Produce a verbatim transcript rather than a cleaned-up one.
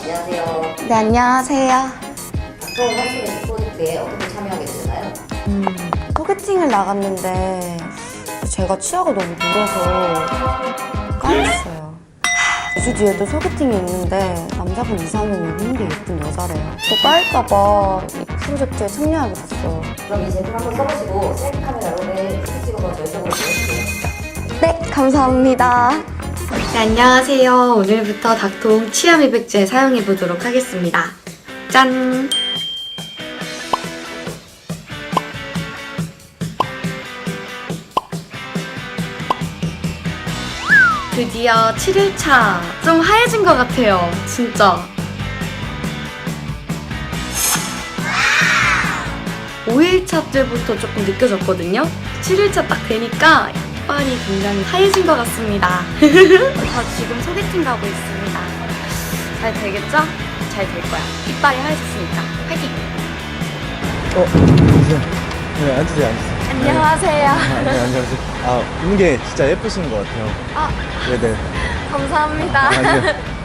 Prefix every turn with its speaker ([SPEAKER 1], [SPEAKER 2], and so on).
[SPEAKER 1] 안녕하세요.
[SPEAKER 2] 네, 안녕하세요.
[SPEAKER 1] 닥터원 삼촌의 프로젝트에 어떻게 참여하게 되셨나요?
[SPEAKER 2] 음, 소개팅을 나갔는데 제가 치아가 너무 늘어서 까였어요. 이 주 뒤에도 소개팅이 있는데 남자분 이상형이 힘도 예쁜 여자래요. 저 까일까봐 이 프로젝트에 참여하게 됐어요.
[SPEAKER 1] 그럼 이 제품 한번 써보시고 셀프 카메라로 내일 사진 찍어서 저희 쪽으로 보내주세요.
[SPEAKER 2] 네, 감사합니다.
[SPEAKER 3] 네, 안녕하세요. 오늘부터 닥통 치아 미백제 사용해 보도록 하겠습니다. 짠! 드디어 칠 일차. 좀 하얘진 것 같아요. 진짜. 오 일차 때부터 조금 느껴졌거든요. 칠 일차 딱 되니까 이빨이 굉장히 하얘진 것 같습니다. 저 지금 소개팅 가고 있습니다. 잘 되겠죠? 잘 될 거야. 이빨이 하얘졌으니까. 화이팅!
[SPEAKER 4] 어, 안녕하세요. 네, 앉으세요, 앉으세요.
[SPEAKER 2] 안녕하세요.
[SPEAKER 4] 아, 네, 안녕하세요. 아, 입는 게 진짜 예쁘신 것 같아요.
[SPEAKER 2] 아,
[SPEAKER 4] 네네.
[SPEAKER 2] 감사합니다.
[SPEAKER 4] 아, 아니요.